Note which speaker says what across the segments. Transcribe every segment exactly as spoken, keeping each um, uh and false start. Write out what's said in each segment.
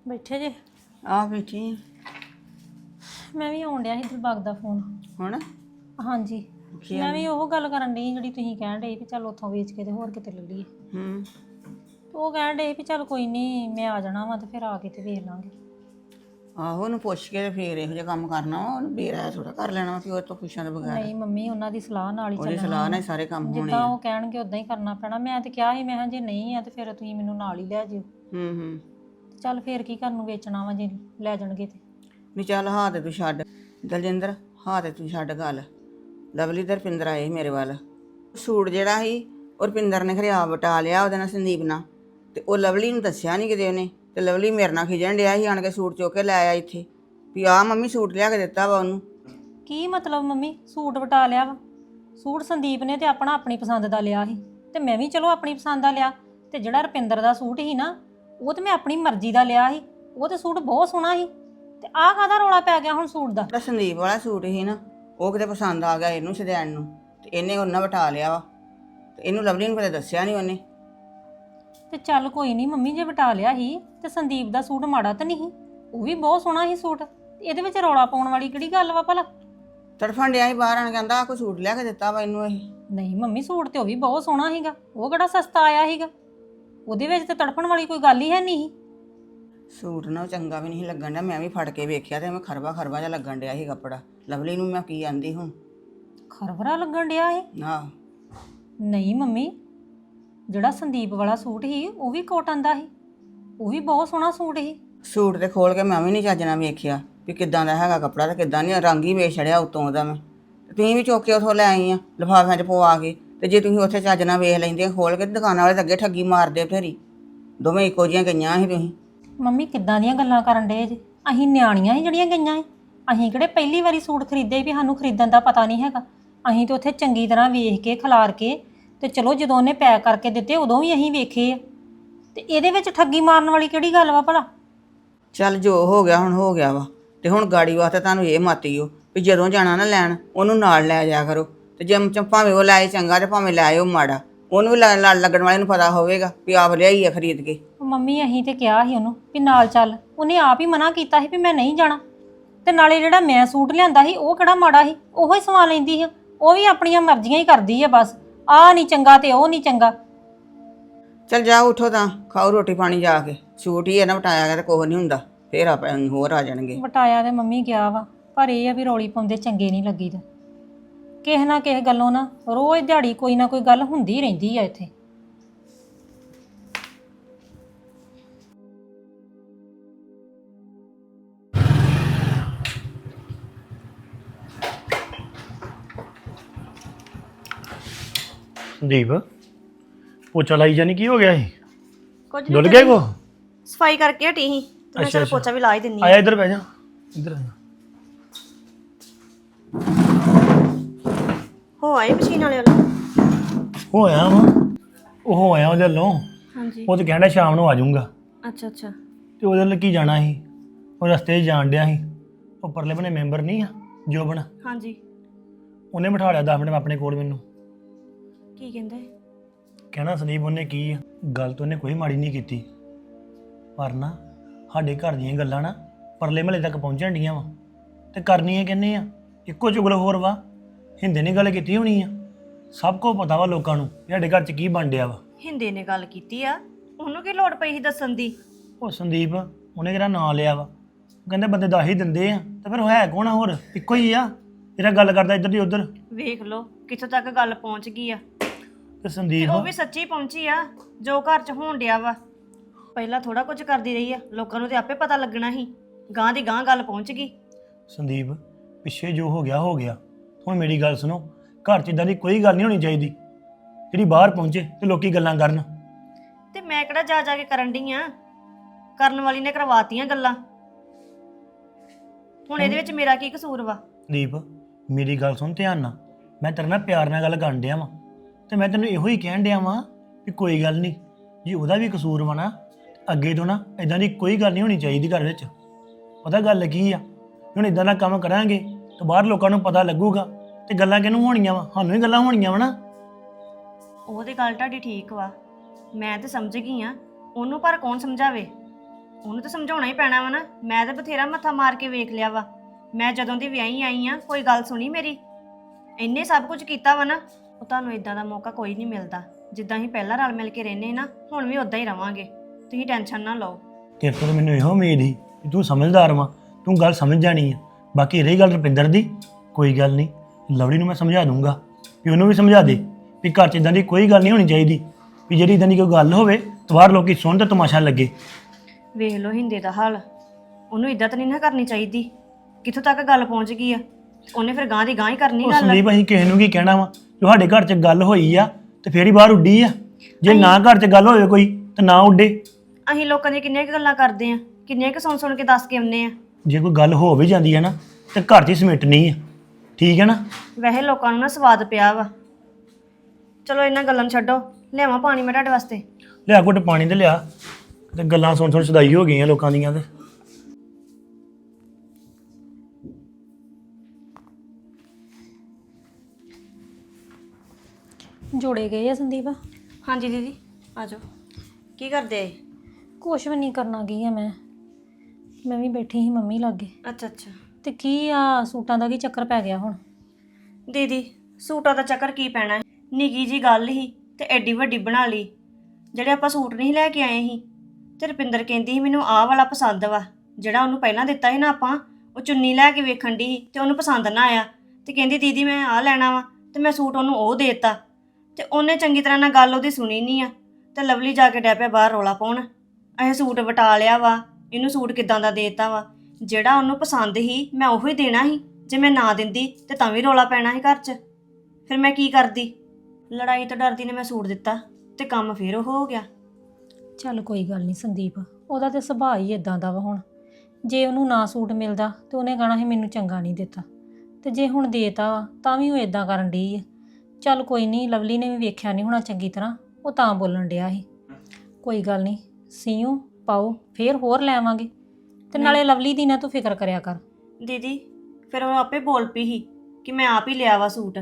Speaker 1: ਬੈਠੇ ਜੇ?
Speaker 2: ਆ ਬੈਠੀ
Speaker 1: ਮੈਂ ਵੀ ਆਉਣ ਡਿਆ ਸੀ ਦਿਲਬਾਗ ਦਾ ਫੋਨ।
Speaker 2: ਹੁਣ
Speaker 1: ਹਾਂਜੀ ਮੈਂ ਵੀ ਉਹ ਗੱਲ ਕਰਨ ਡਈ ਜਿਹੜੀ ਤੁਸੀਂ ਕਹਿਣ ਡਏ ਵੀ ਚੱਲ ਉੱਥੋਂ ਵੇਚ ਕੇ ਤੇ ਹੋਰ ਕਿਤੇ ਲੈ ਲਈਏ।
Speaker 2: ਹੂੰ
Speaker 1: ਉਹ ਕਹਿਣ ਡਏ ਵੀ ਚੱਲ ਕੋਈ ਨਹੀਂ ਮੈਂ ਆ ਜਾਣਾ ਵਾ ਤੇ ਫਿਰ ਆ ਕੇ ਤੇ ਵੇਖ ਲਾਂਗੇ।
Speaker 2: ਆਹੋ ਉਹਨੂੰ ਪੁੱਛ ਕੇ ਤੇ ਫੇਰ ਇਹੋ ਜਿਹਾ ਕੰਮ ਕਰਨਾ ਵਾ। ਉਹਨੂੰ ਬੇਰਾ ਥੋੜਾ ਕਰ ਲੈਣਾ ਵਾ ਕਿ ਉਹ ਤੋਂ ਪੁੱਛਾਂ ਤੋਂ ਬਗੈਰ।
Speaker 1: ਨਹੀਂ ਮੰਮੀ ਉਹਨਾਂ ਦੀ ਸਲਾਹ ਨਾਲ ਹੀ
Speaker 2: ਉਹਦੀ
Speaker 1: ਚੱਲਣਾ।
Speaker 2: ਸਲਾਹ ਨਾਲ ਹੀ ਸਾਰੇ ਕੰਮ ਹੋਣੇ
Speaker 1: ਜਿੱਦਾਂ
Speaker 2: ਆ।
Speaker 1: ਉਹ ਕਹਿਣਗੇ ਉਦਾਂ ਹੀ ਕਰਨਾ ਪੈਣਾ। ਮੈਂ ਤੇ ਕਿਹਾ ਸੀ ਮੈਂ ਕਿਹਾ ਜੇ ਨਹੀਂ ਆ ਤੇ ਫਿਰ ਤੁਸੀਂ ਮੈਨੂੰ ਨਾਲ ਹੀ ਲੈ ਜਿਓ।
Speaker 2: ਹੂੰ ਹੂੰ
Speaker 1: ਚੱਲ ਫਿਰ ਕੀ ਕਰਨ ਨੂੰ ਵੇਚਣਾ ਵਾ ਜੇ ਲੈ ਜਾਣਗੇ ਤੇ।
Speaker 2: ਨਹੀਂ ਚੱਲ ਹਾਂ ਤੇ ਤੂੰ ਛੱਡ ਦਲਜਿੰਦਰ, ਹਾਂ ਤੇ ਤੂੰ ਛੱਡ ਗੱਲ। ਲਵਲੀ ਤੇ ਰੁਪਿੰਦਰ ਆਏ ਮੇਰੇ ਵੱਲ। ਸੂਟ ਜਿਹੜਾ ਸੀ ਉਹ ਰੁਪਿੰਦਰ ਨੇ ਖਰੇ ਆਪ ਵਟਾ ਲਿਆ ਉਹਦੇ ਨਾਲ ਸੰਦੀਪ ਨਾਲ, ਤੇ ਉਹ ਲਵਲੀ ਨੂੰ ਦੱਸਿਆ ਨਹੀਂ ਕਿਤੇ ਉਹਨੇ। ਤੇ ਲਵਲੀ ਮੇਰੇ ਨਾਲ ਖਿਜਣ ਡਿਆ ਸੀ, ਆਣ ਕੇ ਸੂਟ ਚੁੱਕ ਕੇ ਲੈ ਆਇਆ ਇੱਥੇ ਵੀ ਆਹ ਮੰਮੀ ਸੂਟ ਲਿਆ ਕੇ ਦਿੱਤਾ ਵਾ ਉਹਨੂੰ।
Speaker 1: ਕੀ ਮਤਲਬ ਮੰਮੀ ਸੂਟ ਵਟਾ ਲਿਆ ਵਾ? ਸੂਟ ਸੰਦੀਪ ਨੇ ਤੇ ਆਪਣਾ ਆਪਣੀ ਪਸੰਦ ਦਾ ਲਿਆ ਸੀ ਤੇ ਮੈਂ ਵੀ ਚਲੋ ਆਪਣੀ ਪਸੰਦ ਦਾ ਲਿਆ। ਤੇ ਜਿਹੜਾ ਰੁਪਿੰਦਰ ਦਾ ਸੂਟ ਸੀ ਨਾ ਉਹ ਤੇ ਮੈਂ ਆਪਣੀ ਮਰਜ਼ੀ ਦਾ ਲਿਆ ਸੀ। ਉਹ ਤੇ ਸੂਟ ਬਹੁਤ ਸੋਹਣਾ ਸੀ। ਤੇ ਆਹ ਕਾਹਦਾ ਰੌਲਾ ਪੈ ਗਿਆ ਹੁਣ ਸੂਟ ਦਾ?
Speaker 2: ਜਿਹੜਾ ਸੰਦੀਪ ਵਾਲਾ ਸੂਟ ਸੀ ਨਾ ਉਹ ਕਿਤੇ ਪਸੰਦ ਆ ਗਿਆ ਇਹਨੂੰ ਸ਼ਦੈਣ ਨੂੰ, ਤੇ ਇਹਨੇ ਉਹਨਾਂ ਵਟਾ ਲਿਆ ਵਾ। ਤੇ ਇਹਨੂੰ ਲਵਲੀ ਨੂੰ ਕਦੇ ਦੱਸਿਆ ਨਹੀਂ ਉਹਨੇ।
Speaker 1: ਤੇ ਚੱਲ ਕੋਈ ਨਹੀਂ ਮੰਮੀ ਜੇ ਵਟਾ ਲਿਆ ਸੀ ਤੇ ਸੰਦੀਪ ਦਾ ਸੂਟ ਮਾੜਾ ਤਾਂ ਨਹੀਂ ਸੀ, ਉਹ ਵੀ ਬਹੁਤ ਸੋਹਣਾ ਸੀ ਸੂਟ। ਇਹਦੇ ਵਿੱਚ ਰੌਲਾ ਪਾਉਣ ਵਾਲੀ ਕਿਹੜੀ ਗੱਲ ਵਾ ਭਲਾ?
Speaker 2: ਤੜਫਣ ਡਿਆ ਸੀ ਬਾਹਰ ਆਣ, ਕਹਿੰਦਾ ਆਹ ਕੋਈ ਸੂਟ ਲਿਆ ਕੇ ਦਿੱਤਾ ਵਾ ਇਹਨੂੰ ਇਹ।
Speaker 1: ਨਹੀਂ ਮੰਮੀ ਸੂਟ ਤੇ ਉਹ ਵੀ ਬਹੁਤ ਸੋਹਣਾ ਸੀਗਾ, ਉਹ ਕਿਹੜਾ ਸਸਤਾ ਆਇਆ ਸੀਗਾ। ਉਹਦੇ ਵਿੱਚ ਤੇ ਤੜਫਣ ਵਾਲੀ ਕੋਈ ਗੱਲ ਹੀ ਹੈ ਨਹੀਂ ਸੀ।
Speaker 2: ਸੂਟ ਨਾ ਚੰਗਾ ਵੀ ਨਹੀਂ ਲੱਗਣ ਡਿਆ। ਮੈਂ ਵੀ ਫੜ ਕੇ ਵੇਖਿਆ ਤੇ ਮੈਂ ਖਰਵਾ ਖਰਵਾ ਜਿਹਾ ਲੱਗਣ ਡਿਆ ਸੀ ਕੱਪੜਾ। ਲਵਲੀ ਨੂੰ ਮੈਂ ਕੀ ਆਂਦੀ ਹੁਣ?
Speaker 1: ਖਰਵਰਾ ਲੱਗਣ ਡਿਆ ਇਹ?
Speaker 2: ਆਹ
Speaker 1: ਨਹੀਂ ਮੰਮੀ ਜਿਹੜਾ ਸੰਦੀਪ ਵਾਲਾ ਸੂਟ ਸੀ ਉਹ ਵੀ ਕੋਟਨ ਦਾ ਸੀ, ਉਹ ਵੀ ਬਹੁਤ ਸੋਹਣਾ ਸੂਟ ਸੀ।
Speaker 2: ਸੂਟ ਤੇ ਖੋਲ ਕੇ ਮੈਂ ਵੀ ਨਹੀਂ ਚੱਜ ਨਾਲ ਵੇਖਿਆ ਵੀ ਕਿੱਦਾਂ ਦਾ ਹੈਗਾ ਕੱਪੜਾ ਤੇ ਕਿੱਦਾਂ ਨਹੀਂ। ਰੰਗ ਹੀ ਵੇਚ ਛੜਿਆ ਉੱਤੋਂ ਉਹਦਾ। ਮੈਂ ਤੁਸੀਂ ਵੀ ਚੁੱਕ ਕੇ ਉੱਥੋਂ ਲੈ ਆਈ ਆ ਲਿਫਾਫਿਆਂ 'ਚ ਪਵਾ ਕੇ। ਤੇ ਜੇ ਤੁਸੀਂ ਉੱਥੇ ਚੱਜ ਨਾਲ ਵੇਖ ਲੈਂਦੇ ਖੋਲ ਕੇ, ਦੁਕਾਨਾਂ ਵਾਲੇ ਤਾਂ ਅੱਗੇ ਠੱਗੀ ਮਾਰਦੇ ਬਥੇਰੀ। ਦੋਵੇਂ ਇੱਕੋ ਜਿਹੀਆਂ ਗਈਆਂ ਸੀ ਤੁਸੀਂ।
Speaker 1: ਮੰਮੀ ਕਿੱਦਾਂ ਦੀਆਂ ਗੱਲਾਂ ਕਰਨ ਡਏ ਜੇ? ਅਸੀਂ ਨਿਆਣੀਆਂ ਸੀ ਜਿਹੜੀਆਂ ਗਈਆਂ ਸੀ। ਅਸੀਂ ਕਿਹੜੇ ਪਹਿਲੀ ਵਾਰੀ ਸੂਟ ਖਰੀਦੇ ਵੀ ਸਾਨੂੰ ਖਰੀਦਣ ਦਾ ਪਤਾ ਨਹੀਂ ਹੈਗਾ। ਅਸੀਂ ਤੇ ਉੱਥੇ ਚੰਗੀ ਤਰ੍ਹਾਂ ਵੇਖ ਕੇ ਖਿਲਾਰ ਕੇ ਤੇ ਚਲੋ ਜਦੋਂ ਉਹਨੇ ਪੈਕ ਕਰਕੇ ਦਿੱਤੇ ਉਦੋਂ ਵੀ ਅਸੀਂ ਵੇਖੇ ਆ। ਤੇ ਇਹਦੇ ਵਿੱਚ ਠੱਗੀ ਮਾਰਨ ਵਾਲੀ ਕਿਹੜੀ ਗੱਲ ਵਾ ਭਲਾ?
Speaker 2: ਚੱਲ ਜੋ ਹੋ ਗਿਆ ਹੁਣ ਹੋ ਗਿਆ ਵਾ। ਤੇ ਹੁਣ ਗਾੜੀ ਵਾਸਤੇ ਤੁਹਾਨੂੰ ਇਹ ਮਾਤੀਓ ਵੀ ਜਦੋਂ ਜਾਣਾ ਨਾ ਲੈਣ ਉਹਨੂੰ ਨਾਲ ਲੈ ਜਾਇਆ ਕਰੋ। ਤੇ ਜੇ ਭਾਵੇਂ ਉਹ ਲਾਏ ਚੰਗਾ ਤੇ ਭਾਵੇਂ ਲਾਇਓ ਮਾੜਾ, ਉਹਨੂੰ ਵੀ ਲੜ ਲੱਗਣ ਵਾਲੇ ਨੂੰ ਪਤਾ ਹੋਵੇਗਾ ਵੀ ਆਪ ਲਿਆਈ ਆ ਖਰੀਦ ਕੇ।
Speaker 1: ਮੰਮੀ ਅਸੀਂ ਤੇ ਕਿਹਾ ਸੀ ਉਹਨੂੰ ਵੀ ਨਾਲ ਚੱਲ, ਉਹਨੇ ਆਪ ਹੀ ਮਨਾ ਕੀਤਾ ਸੀ ਵੀ ਮੈਂ ਨਹੀਂ ਜਾਣਾ। ਤੇ ਨਾਲੇ ਜਿਹੜਾ ਮੈਂ ਸੂਟ ਲਿਆਂਦਾ ਸੀ ਉਹ ਕਿਹੜਾ ਮਾੜਾ ਸੀ, ਉਹੋ ਹੀ ਸਵਾ ਲੈਂਦੀ ਸੀ। ਉਹ ਵੀ ਆਪਣੀਆਂ ਮਰਜ਼ੀਆਂ ਹੀ ਕਰਦੀ ਆ ਬਸ, ਆਹ ਨਹੀਂ ਚੰਗਾ ਤੇ ਉਹ ਨਹੀਂ ਚੰਗਾ।
Speaker 2: ਚੱਲ ਜਾ ਉੱਠੋ ਤਾਂ ਖਾਓ ਰੋਟੀ ਪਾਣੀ ਜਾ ਕੇ। ਸੂਟ ਹੀ ਹੈ ਨਾ ਵਟਾਇਆ ਗਿਆ ਤੇ ਕੁਛ ਨਹੀਂ ਹੁੰਦਾ, ਫੇਰ ਆਪ ਹੋਰ ਆ ਜਾਣਗੇ।
Speaker 1: ਵਟਾਇਆ ਤੇ ਮੰਮੀ ਗਿਆ ਵਾ, ਪਰ ਇਹ ਆ ਵੀ ਰੌਲੀ ਪਾਉਂਦੇ ਚੰਗੇ ਨਹੀਂ ਲੱਗੀਦਾ। ਕਿਸੇ ਨਾ ਕਿਸੇ ਗੱਲੋਂ ਨਾ ਰੋਜ਼ ਦਿਹਾੜੀ ਕੋਈ ਨਾ ਕੋਈ ਗੱਲ ਹੁੰਦੀ ਰਹਿੰਦੀ ਆ ਇੱਥੇ।
Speaker 3: ਸੰਦੀਪ ਪੋਚਾ ਲਾਈ ਜਾਨੀ ਕੀ ਹੋ ਗਿਆ ਸੀ?
Speaker 4: ਕੁਝ
Speaker 3: ਡੁੱਲ ਗਿਆ ਕੋ?
Speaker 4: ਸਫਾਈ ਕਰਕੇ ਹਟੀ ਸੀ ਤੇ ਮੈਂ ਚਲ ਪੋਚਾ ਵੀ ਲਾ ਹੀ ਦਿੰਨੀ।
Speaker 3: ਆਇਆ ਇੱਧਰ ਬਹਿ ਜਾ, ਇੱਧਰ ਆ ਜਾ।
Speaker 4: ਹੋ ਆਏ ਮਸ਼ੀਨ ਵਾਲੇ ਵੱਲ?
Speaker 3: ਹੋ ਆਇਆ ਵਾ, ਉਹ ਹੋ ਆਇਆ ਉਹਦੇ ਵੱਲੋਂ।
Speaker 4: ਹਾਂਜੀ
Speaker 3: ਉਹ ਤੇ ਕਹਿੰਦਾ ਸ਼ਾਮ ਨੂੰ ਆ ਜਾਊਂਗਾ।
Speaker 4: ਅੱਛਾ ਅੱਛਾ
Speaker 3: ਤੇ ਉਹਦੇ ਵੱਲ ਕੀ ਜਾਣਾ ਸੀ? ਉਹ ਰਸਤੇ 'ਚ ਜਾਣ ਡਿਆ ਸੀ। ਉਹ ਪਰਲੇ ਬਨੇ ਮੈਂਬਰ ਨਹੀਂ ਆ ਜੋਬਨ,
Speaker 4: ਹਾਂਜੀ
Speaker 3: ਉਹਨੇ ਬਿਠਾ ਲਿਆ ਦਸ ਮਿੰਟ ਆਪਣੇ ਕੋਲ ਮੈਨੂੰ।
Speaker 4: ਕੀ ਕਹਿੰਦੇ?
Speaker 3: ਕਹਿਣਾ ਸੰਦੀਪ ਉਹਨੇ ਕੀ ਆ, ਗੱਲ ਤਾਂ ਉਹਨੇ ਕੋਈ ਮਾੜੀ ਨਹੀਂ ਕੀਤੀ, ਪਰ ਨਾ ਸਾਡੇ ਘਰ ਦੀਆਂ ਗੱਲਾਂ ਨਾ ਪਰਲੇ ਮਹੱਲੇ ਤੱਕ ਪਹੁੰਚਣ ਡੀਆਂ ਵਾ ਤੇ ਕਰਨੀਆਂ ਕਹਿੰਦੇ ਆ। ਇੱਕੋ ਚੁਗਲ ਹੋਰ ਵਾ, ਹਿੰਦੇ ਨੇ ਗੱਲ ਕੀਤੀ ਹੋਣੀ ਆ। ਸਭ ਕੁਝ ਪਤਾ ਵਾ ਲੋਕਾਂ ਨੂੰ ਵੀ ਸਾਡੇ ਘਰ 'ਚ ਕੀ ਬਣ ਡਿਆ ਵਾ।
Speaker 4: ਹਿੰਦੇ ਨੇ ਗੱਲ ਕੀਤੀ ਆ, ਉਹਨੂੰ ਕੀ ਲੋੜ ਪਈ ਸੀ ਦੱਸਣ ਦੀ?
Speaker 3: ਉਹ ਸੰਦੀਪ ਉਹਨੇ ਕਿਹੜਾ ਨਾਂ ਲਿਆ ਵਾ, ਉਹ ਕਹਿੰਦੇ ਬੰਦੇ ਦੱਸ ਹੀ ਦਿੰਦੇ ਆ, ਤੇ ਫਿਰ ਉਹ ਹੈ ਕੌਣ ਆ? ਹੋਰ ਇੱਕੋ ਹੀ ਆ ਜਿਹੜਾ ਗੱਲ ਕਰਦਾ ਇੱਧਰ ਦੀ ਉੱਧਰ।
Speaker 4: ਵੇਖ ਲਓ ਕਿੱਥੋਂ ਤੱਕ ਗੱਲ ਪਹੁੰਚ ਗਈ ਆ।
Speaker 3: ਤੇ ਸੰਦੀਪ
Speaker 4: ਉਹ ਵੀ ਸੱਚੀ ਪਹੁੰਚੀ ਆ ਜੋ ਘਰ 'ਚ ਹੋਣ ਡਿਆ ਵਾ। ਪਹਿਲਾਂ ਥੋੜਾ ਕੁਝ ਕਰਦੀ ਰਹੀ ਆ, ਲੋਕਾਂ ਨੂੰ ਤੇ ਆਪੇ ਪਤਾ ਲੱਗਣਾ ਸੀ। ਗਾਂ ਦੀ ਗਾਂ ਗੱਲ ਪਹੁੰਚ ਗਈ।
Speaker 3: ਸੰਦੀਪ ਪਿੱਛੇ ਜੋ ਹੋ ਗਿਆ ਹੋ ਗਿਆ। ਹੁਣ ਮੇਰੀ ਗੱਲ ਸੁਣੋ, ਘਰ 'ਚ ਇਦਾਂ ਦੀ ਕੋਈ ਗੱਲ ਨਹੀਂ ਹੋਣੀ ਚਾਹੀਦੀ ਜਿਹੜੀ ਬਾਹਰ ਪਹੁੰਚੇ ਤੇ ਲੋਕੀ ਗੱਲਾਂ ਕਰਨ।
Speaker 4: ਤੇ ਮੈਂ ਕਿਹੜਾ ਜਾ ਜਾ ਕੇ ਕਰਨ ਡਈ ਆ? ਕਰਨ ਵਾਲੀ ਨੇ ਕਰਵਾਤੀਆਂ ਗੱਲਾਂ, ਹੁਣ ਇਹਦੇ ਵਿੱਚ ਮੇਰਾ ਕੀ ਕਸੂਰ ਵਾ?
Speaker 3: ਦੀਪ ਮੇਰੀ ਗੱਲ ਸੁਣ ਧਿਆਨ ਨਾਲ, ਮੈਂ ਤੇਰੇ ਨਾਲ ਪਿਆਰ ਨਾਲ ਗੱਲ ਕਰਨ ਡਿਆ ਵਾਂ ਤੇ ਮੈਂ ਤੈਨੂੰ ਇਹੋ ਹੀ ਕਹਿਣ ਡਿਆ ਵਾਂ ਵੀ ਕੋਈ ਗੱਲ ਨਹੀਂ, ਜੀ ਉਹਦਾ ਵੀ ਕਸੂਰ ਵਾ ਨਾ, ਅੱਗੇ ਤੋਂ ਨਾ ਇਦਾਂ ਦੀ ਕੋਈ ਗੱਲ ਨਹੀਂ ਹੋਣੀ ਚਾਹੀਦੀ ਘਰ ਵਿੱਚ। ਪਤਾ ਗੱਲ ਕੀ ਆ, ਹੁਣ ਇਦਾਂ ਦਾ ਕੰਮ ਕਰਾਂਗੇ ਤਾਂ ਬਾਹਰ ਲੋਕਾਂ ਨੂੰ ਪਤਾ ਲੱਗੂਗਾ ਤੇ ਗੱਲਾਂ ਕਿਹਨੂੰ ਹੋਣੀਆਂ ਵਾ? ਸਾਨੂੰ ਹੀ ਗੱਲਾਂ ਹੋਣੀਆਂ ਵਾ ਨਾ।
Speaker 4: ਉਹ ਤੇ ਗੱਲ ਤੁਹਾਡੀ ਠੀਕ ਵਾ, ਮੈਂ ਤੇ ਸਮਝ ਗਈ ਆ ਉਹਨੂੰ, ਪਰ ਕੌਣ ਸਮਝਾਵੇ? ਉਹਨੂੰ ਤਾਂ ਸਮਝਾਉਣਾ ਹੀ ਪੈਣਾ ਵਾ ਨਾ। ਮੈਂ ਤਾਂ ਬਥੇਰਾ ਮੱਥਾ ਮਾਰ ਕੇ ਵੇਖ ਲਿਆ ਵਾ। ਮੈਂ ਜਦੋਂ ਦੀ ਵਿਆਹੀ ਆਈ ਆ ਕੋਈ ਗੱਲ ਸੁਣੀ ਮੇਰੀ? ਇੰਨੇ ਸਭ ਕੁਝ ਕੀਤਾ ਵਾ ਨਾ। ਉਹ ਤੁਹਾਨੂੰ ਇਦਾਂ ਦਾ ਮੌਕਾ ਕੋਈ ਨਹੀਂ ਮਿਲਦਾ। ਜਿੱਦਾਂ ਹੀ ਪਹਿਲਾਂ ਰਲ ਮਿਲ ਕੇ ਰਹਿੰਦੇ ਨਾ, ਹੁਣ ਵੀ ਉਦਾਂ ਹੀ ਰਵਾਂਗੇ। ਤੁਸੀਂ ਟੈਨਸ਼ਨ ਨਾ ਲਓ।
Speaker 3: ਤੇਰੇ ਤੋਂ ਤਾਂ ਮੈਨੂੰ ਇਹੋ ਉਮੀਦ ਸੀ ਕਿ ਤੂੰ ਸਮਝਦਾਰ ਵਾਂ, ਤੂੰ ਗੱਲ ਸਮਝ ਜਾਣੀ ਆ। ਬਾਕੀ ਰਹੀ ਗੱਲ ਰੁਪਿੰਦਰ ਦੀ, ਕੋਈ ਗੱਲ ਨਹੀਂ, ਲਵਲੀ ਨੂੰ ਮੈਂ ਸਮਝਾ ਦੂੰਗਾ ਵੀ ਉਹਨੂੰ ਵੀ ਸਮਝਾ ਦੇ ਵੀ ਘਰ 'ਚ ਇਦਾਂ ਦੀ ਕੋਈ ਗੱਲ ਨਹੀਂ ਹੋਣੀ ਚਾਹੀਦੀ, ਵੀ ਜਿਹੜੀ ਇਦਾਂ ਦੀ ਕੋਈ ਗੱਲ ਹੋਵੇ ਤਾਂ ਬਾਹਰ ਲੋਕੀ ਸੁਣ ਤੇ ਤਮਾਸ਼ਾ ਲੱਗੇ।
Speaker 4: ਵੇਖ ਲਓ ਹਿੰਦੇ ਦਾ ਹਾਲ। ਉਹਨੂੰ ਇਦਾਂ ਤਾਂ ਨਹੀਂ ਨਾ ਕਰਨੀ ਚਾਹੀਦੀ। ਕਿੱਥੋਂ ਤੱਕ ਗੱਲ ਪਹੁੰਚ ਗਈ ਆ। ਉਹਨੇ ਫਿਰ ਗਾਂ ਦੀ ਗਾਂ ਹੀ ਕਰਨੀ
Speaker 3: ਉਹ
Speaker 4: ਗੱਲ।
Speaker 3: ਸੰਦੀਪ ਅਸੀਂ ਕਿਸੇ ਨੂੰ ਕੀ ਕਹਿਣਾ ਵਾ, ਜੋ ਸਾਡੇ ਘਰ 'ਚ ਗੱਲ ਹੋਈ ਆ ਤੇ ਫੇਰ ਹੀ ਬਾਹਰ ਉੱਡੀ ਆ। ਜੇ ਨਾ ਘਰ 'ਚ ਗੱਲ ਹੋਵੇ ਕੋਈ ਤਾਂ ਨਾ ਉੱਡੇ।
Speaker 4: ਅਸੀਂ ਲੋਕਾਂ ਦੀਆਂ ਕਿੰਨੀਆਂ ਕੁ ਗੱਲਾਂ ਕਰਦੇ ਆ, ਕਿੰਨੀਆਂ ਕੁ ਸੁਣ ਸੁਣ ਕੇ ਦੱਸ ਕੇ ਆਉਂਦੇ ਆ।
Speaker 3: ਜੇ ਕੋਈ ਗੱਲ ਹੋ ਵੀ ਜਾਂਦੀ ਹੈ ਨਾ ਤੇ ਘਰ 'ਚ ਹੀ ਸਮਿਟਣੀ ਆ, ਠੀਕ ਹੈ ਨਾ।
Speaker 4: ਵੈਸੇ ਲੋਕਾਂ ਨੂੰ ਨਾ ਸਵਾਦ ਪਿਆ ਵਾ। ਚਲੋ ਇਹਨਾਂ ਗੱਲਾਂ ਨੂੰ ਛੱਡੋ, ਲਿਆਵਾਂ ਪਾਣੀ ਮੈਂ ਤੁਹਾਡੇ ਵਾਸਤੇ।
Speaker 3: ਲਿਆ ਘੁੱਟ ਪਾਣੀ ਤੇ ਲਿਆ, ਤੇ ਗੱਲਾਂ ਸੁਣ ਸੁਣ ਸਦਾਈ ਹੋ ਗਈਆਂ ਲੋਕਾਂ ਦੀਆਂ। ਤੇ
Speaker 1: ਜੋੜੇ ਗਏ ਆ ਸੰਦੀਪ।
Speaker 4: ਹਾਂਜੀ ਦੀਦੀ ਆ ਜਾਓ। ਕੀ ਕਰਦੇ?
Speaker 1: ਕੁਛ ਵੀ ਨਹੀਂ ਕਰਨਾ ਕੀ ਆ, ਮੈਂ ਮੈਂ ਵੀ ਬੈਠੀ ਸੀ ਮੰਮੀ ਲਾਗੇ।
Speaker 4: ਅੱਛਾ ਅੱਛਾ।
Speaker 1: ਤੇ ਕੀ ਆ ਸੂਟਾਂ ਦਾ ਕੀ ਚੱਕਰ ਪੈ ਗਿਆ ਹੁਣ?
Speaker 4: ਦੀਦੀ ਸੂਟਾਂ ਦਾ ਚੱਕਰ ਕੀ ਪੈਣਾ ਹੈ? ਨਿੱਕੀ ਜੀ ਗੱਲ ਹੀ ਤੇ ਐਡੀ ਵੱਡੀ ਬਣਾ ਲਈ। ਜਿਹੜੇ ਆਪਾਂ ਸੂਟ ਨਹੀਂ ਲੈ ਕੇ ਆਏ ਸੀ ਤੇ ਰੁਪਿੰਦਰ ਕਹਿੰਦੀ ਸੀ ਮੈਨੂੰ ਆਹ ਵਾਲਾ ਪਸੰਦ ਵਾ, ਜਿਹੜਾ ਉਹਨੂੰ ਪਹਿਲਾਂ ਦਿੱਤਾ ਸੀ ਨਾ ਆਪਾਂ, ਉਹ ਚੁੰਨੀ ਲੈ ਕੇ ਵੇਖਣ ਦੀ ਸੀ ਤੇ ਉਹਨੂੰ ਪਸੰਦ ਨਾ ਆਇਆ ਤੇ ਕਹਿੰਦੀ ਦੀਦੀ ਮੈਂ ਆਹ ਲੈਣਾ ਵਾ, ਤੇ ਮੈਂ ਸੂਟ ਉਹਨੂੰ ਉਹ ਦੇ ਦਿੱਤਾ। ਤੇ ਉਹਨੇ ਚੰਗੀ ਤਰ੍ਹਾਂ ਨਾਲ ਗੱਲ ਉਹਦੀ ਸੁਣੀ ਨਹੀਂ ਆ ਤੇ ਲਵਲੀ ਜਾ ਕੇ ਡੈ ਪਿਆ ਬਾਹਰ ਰੌਲਾ ਪਾਉਣ। ਇਹ ਸੂਟ ਵਟਾ ਲਿਆ ਵਾ, ਇਹਨੂੰ ਸੂਟ ਕਿੱਦਾਂ ਦਾ ਦੇ ਦਿੱਤਾ ਵਾ। ਜਿਹੜਾ ਉਹਨੂੰ ਪਸੰਦ ਸੀ ਮੈਂ ਉਹੋ ਹੀ ਦੇਣਾ ਸੀ। ਜੇ ਮੈਂ ਨਾ ਦਿੰਦੀ ਤੇ ਤਾਂ ਵੀ ਰੌਲਾ ਪੈਣਾ ਸੀ ਘਰ 'ਚ। ਫਿਰ ਮੈਂ ਕੀ ਕਰਦੀ? ਲੜਾਈ ਤੋਂ ਡਰਦੀ ਨੇ ਮੈਂ ਸੂਟ ਦਿੱਤਾ ਤੇ ਕੰਮ ਫੇਰ ਉਹ ਹੋ ਗਿਆ।
Speaker 1: ਚੱਲ ਕੋਈ ਗੱਲ ਨਹੀਂ ਸੰਦੀਪ, ਉਹਦਾ ਤੇ ਸੁਭਾਅ ਹੀ ਇਦਾਂ ਦਾ ਵਾ। ਹੁਣ ਜੇ ਉਹਨੂੰ ਨਾ ਸੂਟ ਮਿਲਦਾ ਤੇ ਉਹਨੇ ਕਹਣਾ ਸੀ ਮੈਨੂੰ ਚੰਗਾ ਨਹੀਂ ਦਿੱਤਾ, ਤੇ ਜੇ ਹੁਣ ਦੇਤਾ ਵਾ ਤਾਂ ਵੀ ਉਹ ਇਦਾਂ ਕਰਨ ਡਈ ਆ। ਚੱਲ ਕੋਈ ਨਹੀਂ, ਲਵਲੀ ਨੇ ਵੀ ਵੇਖਿਆ ਨਹੀਂ ਹੋਣਾ ਚੰਗੀ ਤਰ੍ਹਾਂ, ਉਹ ਤਾਂ ਬੋਲਣ ਡਿਆ ਸੀ। ਕੋਈ ਗੱਲ ਨਹੀਂ, ਸੀਓ ਪਾਓ ਫੇਰ ਹੋਰ ਲੈ ਆਵਾਂਗੇ। ਤੇ ਨਾਲੇ ਲਵਲੀ ਦੀ ਨਾ ਤੂੰ ਫਿਕਰ ਕਰਿਆ ਕਰ।
Speaker 4: ਦੀਦੀ ਫਿਰ ਉਹ ਆਪੇ ਬੋਲ ਪਈ ਸੀ ਕਿ ਮੈਂ ਆਪ ਹੀ ਲਿਆ ਵਾ ਸੂਟ।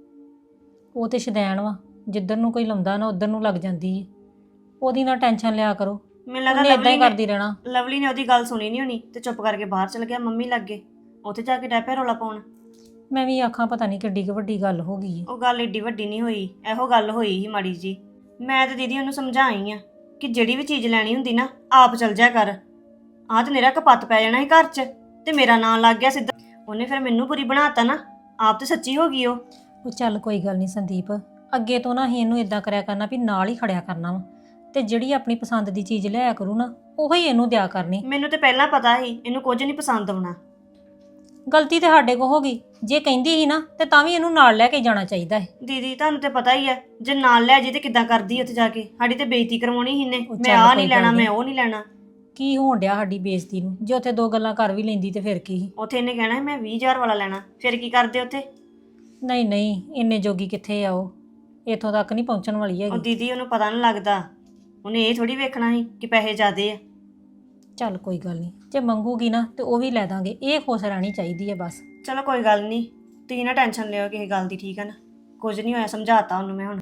Speaker 1: ਉਹ ਤੇ ਸ਼ਦੈਣ ਵਾ, ਜਿੱਧਰ ਨੂੰ ਕੋਈ ਲਾਉਂਦਾ ਨਾ ਉਧਰ ਨੂੰ ਲੱਗ ਜਾਂਦੀ ਹੈ। ਉਹਦੀ ਨਾ ਟੈਨਸ਼ਨ ਲਿਆ ਕਰੋ,
Speaker 4: ਮੈਨੂੰ ਲੱਗਦਾ
Speaker 1: ਉਹਨੇ ਇਦਾਂ
Speaker 4: ਲਵਲੀ
Speaker 1: ਹੀ
Speaker 4: ਨੇ
Speaker 1: ਕਰਦੀ ਰਹਿਣਾ।
Speaker 4: ਲਵਲੀ ਨੇ ਉਹਦੀ ਗੱਲ ਸੁਣੀ ਨਹੀਂ ਹੋਣੀ ਤੇ ਚੁੱਪ ਕਰਕੇ ਬਾਹਰ ਚਲ ਗਿਆ ਮੰਮੀ ਲੱਗੇ। ਉੱਥੇ ਜਾ ਕੇ ਡੈ ਪਿਆ ਰੌਲਾ ਪਾਉਣ।
Speaker 1: ਮੈਂ ਵੀ ਆਖਾਂ ਪਤਾ ਨਹੀਂ ਕਿੱਡੀ ਕੁ ਵੱਡੀ ਗੱਲ ਹੋ ਗਈ ਹੈ।
Speaker 4: ਉਹ ਗੱਲ ਏਡੀ ਵੱਡੀ ਨਹੀਂ ਹੋਈ, ਇਹੋ ਗੱਲ ਹੋਈ ਸੀ ਮਾੜੀ ਜੀ। ਮੈਂ ਤੇ ਦੀਦੀ ਉਹਨੂੰ ਸਮਝਾਈ ਆ ਕਿ ਜਿਹੜੀ ਵੀ ਚੀਜ਼ ਲੈਣੀ ਹੁੰਦੀ ਨਾ ਆਪ ਚਲ ਜਾ ਕਰ। ਆਹ ਤੇ ਮੇਰਾ ਕਪੱਤ ਪੈ ਜਾਣਾ ਸੀ ਘਰ 'ਚ ਤੇ ਮੇਰਾ ਨਾਂ ਲੱਗ ਗਿਆ ਸਿੱਧਾ। ਉਹਨੇ ਫਿਰ ਮੈਨੂੰ ਬੁਰੀ ਬਣਾਤਾ ਨਾ, ਆਪ ਤੇ ਸੱਚੀ ਹੋ ਗਈ ਉਹ।
Speaker 1: ਉਹ ਚੱਲ ਕੋਈ ਗੱਲ ਨਹੀਂ ਸੰਦੀਪ, ਅੱਗੇ ਤੋਂ ਨਾ ਹੀ ਇਹਨੂੰ ਇਦਾਂ ਕਰਿਆ ਕਰਨਾ ਵੀ ਨਾਲ ਹੀ ਖੜਿਆ ਕਰਨਾ ਵਾ, ਤੇ ਜਿਹੜੀ ਆਪਣੀ ਪਸੰਦ ਦੀ ਚੀਜ਼ ਲਿਆ ਕਰੂ ਨਾ ਉਹੀ ਇਹਨੂੰ ਦਿਆ ਕਰਨੀ।
Speaker 4: ਮੈਨੂੰ ਤੇ ਪਹਿਲਾਂ ਪਤਾ ਸੀ ਇਹਨੂੰ ਕੁਝ ਨਹੀਂ ਪਸੰਦ ਆਉਣਾ।
Speaker 1: ਗਲਤੀ ਤੇ ਸਾਡੇ ਕੋ ਹੋ ਗਈ, ਜੇ ਕਹਿੰਦੀ ਸੀ ਨਾ ਤੇ ਤਾਂ ਵੀ ਇਹਨੂੰ ਨਾਲ ਲੈ ਕੇ ਜਾਣਾ ਚਾਹੀਦਾ ਹੈ।
Speaker 4: ਦੀਦੀ ਤੁਹਾਨੂੰ ਤੇ ਪਤਾ ਹੀ ਹੈ, ਜੇ ਨਾਲ ਲੈ ਜੇ ਤੇ ਕਿੱਦਾਂ ਕਰਦੀ ਉੱਥੇ ਜਾ ਕੇ। ਸਾਡੀ ਤੇ ਬੇਇੱਜ਼ਤੀ ਕਰਵਾਉਣੀ ਸੀ ਇਹਨੇ।
Speaker 1: ਉਹ
Speaker 4: ਮੈਂ
Speaker 1: ਚੱਲ
Speaker 4: ਆਹ
Speaker 1: ਕੋਈ
Speaker 4: ਨਹੀਂ ਲੈਣਾ,
Speaker 1: ਗੱਲ
Speaker 4: ਮੈਂ ਉਹ ਨਹੀਂ ਲੈਣਾ।
Speaker 1: ਕੀ ਹੋਣ ਡਿਆ ਸਾਡੀ ਬੇਇੱਜ਼ਤੀ ਨੂੰ? ਜੇ ਉੱਥੇ ਦੋ ਗੱਲਾਂ ਕਰ ਵੀ ਲੈਂਦੀ ਤੇ ਫਿਰ ਕੀ ਸੀ?
Speaker 4: ਉੱਥੇ ਇਹਨੇ ਕਹਿਣਾ ਸੀ ਮੈਂ ਵੀਹ ਹਜ਼ਾਰ ਵਾਲਾ ਲੈਣਾ। ਫਿਰ ਕੀ ਕਰਦੇ ਉੱਥੇ?
Speaker 1: ਨਹੀਂ ਨਹੀਂ, ਇੰਨੇ ਜੋਗੀ ਕਿੱਥੇ ਆ ਉਹ, ਇੱਥੋਂ ਤੱਕ ਨਹੀਂ ਪਹੁੰਚਣ ਵਾਲੀ
Speaker 4: ਉਹ
Speaker 1: ਹੈਗੀ।
Speaker 4: ਦੀਦੀ ਉਹਨੂੰ ਪਤਾ ਨਹੀਂ ਲੱਗਦਾ। ਉਹਨੇ ਇਹ ਥੋੜੀ ਵੇਖਣਾ ਸੀ ਕਿ ਪੈਸੇ ਜ਼ਿਆਦੇ ਆ।
Speaker 1: ਚੱਲ ਕੋਈ ਗੱਲ ਨਹੀਂ, ਜੇ ਮੰਗੂਗੀ ਨਾ ਤੇ ਉਹ ਵੀ ਲੈ ਦਾਂਗੇ। ਇਹ ਖੁਸ਼ ਰਹਿਣੀ ਚਾਹੀਦੀ ਹੈ ਬਸ।
Speaker 4: ਚਲੋ ਕੋਈ ਗੱਲ ਨਹੀਂ, ਤੁਸੀਂ ਨਾ ਟੈਨਸ਼ਨ ਲਿਓ ਕਿਸੇ ਗੱਲ ਦੀ, ਠੀਕ ਹੈ ਨਾ? ਕੁਝ ਨਹੀਂ ਹੋਇਆ, ਸਮਝਾਤਾ ਉਹਨੂੰ ਮੈਂ ਹੁਣ।